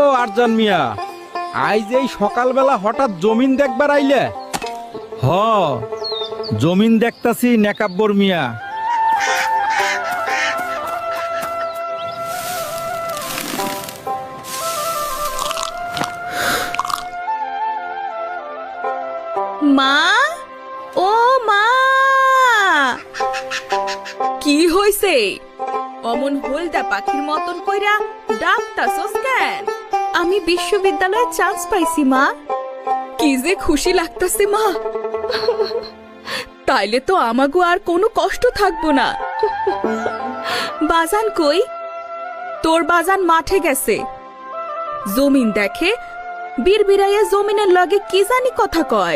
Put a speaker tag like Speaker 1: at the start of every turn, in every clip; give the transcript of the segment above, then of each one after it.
Speaker 1: আরজান মিয়া, আইজ এই সকালবেলা হঠাৎ জমিন দেখবার আইলে? হ, জমিন দেখতাছি নেকাব্বর মিয়া।
Speaker 2: মা, ও মা, কি হইছে? অমন হলদা পাখির মতন কইরা ডাকতাছস কেন? আমি বিশ্ববিদ্যালয়ে চান্স পাইছি মা। কি যে খুশি লাগতাছে মা। তাইলে তো আমাগো আর কোনো কষ্ট থাকবো না। বাজান কই? তোর বাজান মাঠে গেছে। জমিন দেখে বিড়বিড়াইয়া জমিনের লগে কি জানি কথা কয়।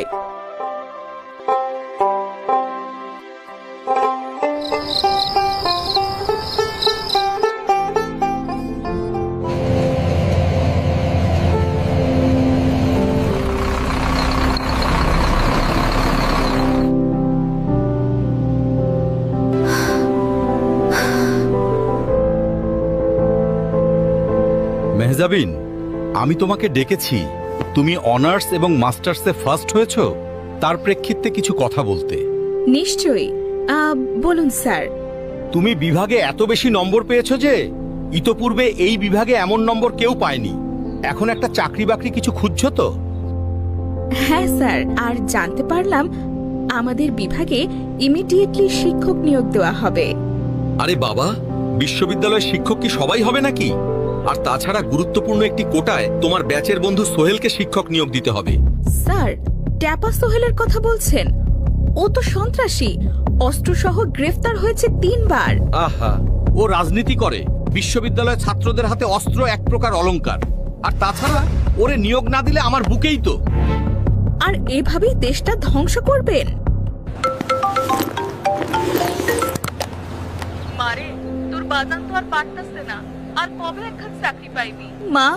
Speaker 3: মেহজাবিন, আমি তোমাকে ডেকেছি। তুমি অনার্স এবং মাস্টার্সে ফার্স্ট হয়েছো, তার প্রেক্ষিতে কিছু কথা বলতে।
Speaker 2: নিশ্চয়ই, বলুন স্যার।
Speaker 3: তুমি বিভাগে এত বেশি নম্বর পেয়েছো যে ইতোপূর্বে এই বিভাগে এমন নম্বর কেউ পায়নি। এখন একটা চাকরি বাকরি কিছু খুঁজছো তো?
Speaker 2: হ্যাঁ স্যার, আর জানতে পারলাম আমাদের বিভাগে ইমিডিয়েটলি শিক্ষক নিয়োগ দেওয়া হবে।
Speaker 3: আরে বাবা, বিশ্ববিদ্যালয়ের শিক্ষক কি সবাই হবে নাকি? আর তাছাড়া গুরুত্বপূর্ণ একটি কোটায় তোমার ব্যাচের বন্ধু সোহেলকে শিক্ষক নিয়োগ দিতে হবে।
Speaker 2: স্যার, ট্যাপা সোহেলের কথা বলছেন? ও তো সন্ত্রাসী, অস্ত্রসহ গ্রেফতার হয়েছে 3 বার।
Speaker 3: আহা, ও রাজনীতি করে। বিশ্ববিদ্যালয়ের ছাত্রদের হাতে অস্ত্র এক প্রকার অলংকার। আর তাছাড়া ওরে নিয়োগ না দিলে আমার বুকেই তো।
Speaker 2: আর এভাবেই দেশটা ধ্বংস করবেন? মারে, তোর বাজান তো আর পারতাছে না। আর কবে একখান চাকরি পাইবি? মা,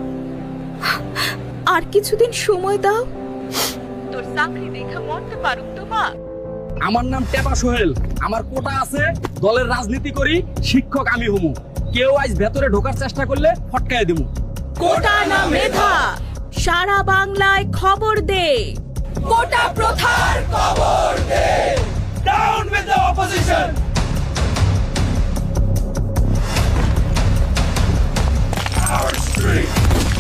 Speaker 2: আর কিছুদিন সময় দাও। তোর চাকরি দেখা মরতে পারুক তো মা।
Speaker 1: আমার নাম টেপা সোহেল, আমার কোটা আছে, দলের রাজনীতি করি, শিক্ষক আমি হমু। কেউ আজ ভেতরে ঢোকার চেষ্টা করলে ফটকায় দেবো।
Speaker 2: কোটা না মেধা, সারা বাংলায় খবর দে। কোটা প্রথার খবর দে।
Speaker 1: Down with the opposition! Our street!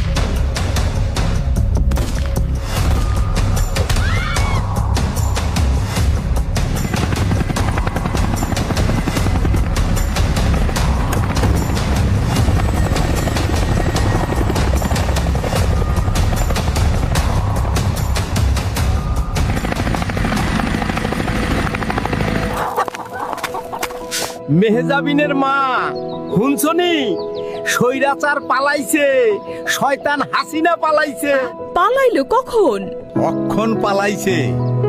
Speaker 1: মেহজাবিনের মা, শুনছনি? স্বৈরাচার পালাইছে, শয়তান হাসিনা পালাইছে।
Speaker 2: পালাইলো কখন?
Speaker 3: অক্ষণ পালাইছে।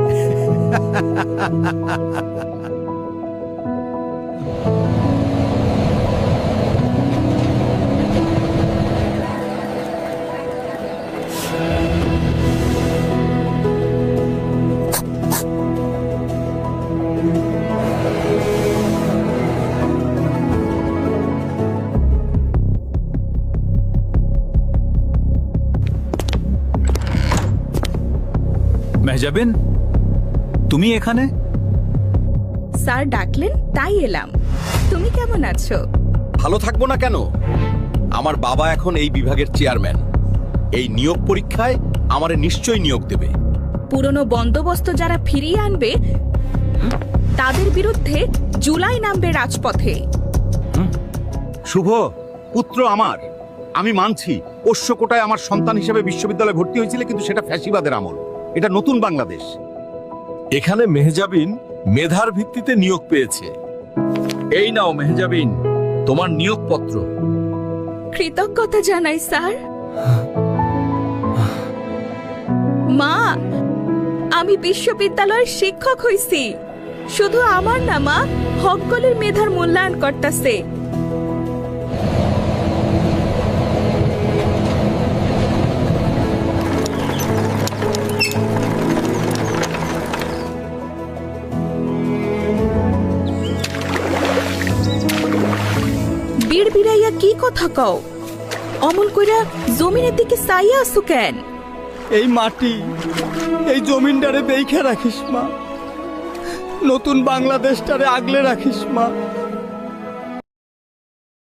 Speaker 3: মেহজাবিন, তুমি এখানে?
Speaker 2: স্যার ডাকলেন তাই এলাম। তুমি কেমন আছো?
Speaker 3: ভালো থাকবো না কেন? আমার বাবা এখন এই বিভাগের চেয়ারম্যান। এই নিয়োগ পরীক্ষায় আমারে নিশ্চয়ই নিয়োগ দেবে।
Speaker 2: পুরনো বন্দোবস্ত যারা ফিরিয়ে আনবে তাদের বিরুদ্ধে জুলাই নামবে রাজপথে।
Speaker 3: শুভ, পুত্র আমার। আমি মানছি পোষ্য কোটায় আমার সন্তান হিসেবে বিশ্ববিদ্যালয়ে ভর্তি হয়েছিল, কিন্তু সেটা ফ্যাসিবাদের আমল। এটা নতুন বাংলাদেশ।
Speaker 4: এখানে মেহজাবিন মেধার ভিত্তিতে নিয়োগ পেয়েছে।
Speaker 1: এই নাও মেহজাবিন, তোমার নিয়োগপত্র।
Speaker 2: কৃতজ্ঞতা জানাই স্যার। মা, আমি বিশ্ববিদ্যালয়ের শিক্ষক হইছি। শুধু আমার না মা, হকগলের মেধার মূল্যায়ন করতেছে। বিড়বিড়াইয়া কি কথা কও? অমন কইরা জমিনের দিকে চাইয়া আসু কেন?
Speaker 1: এই মাটি, এই জমিনটারে দেখে রাখিস মা, নতুন বাংলাদেশটারে আগলে রাখিস মা।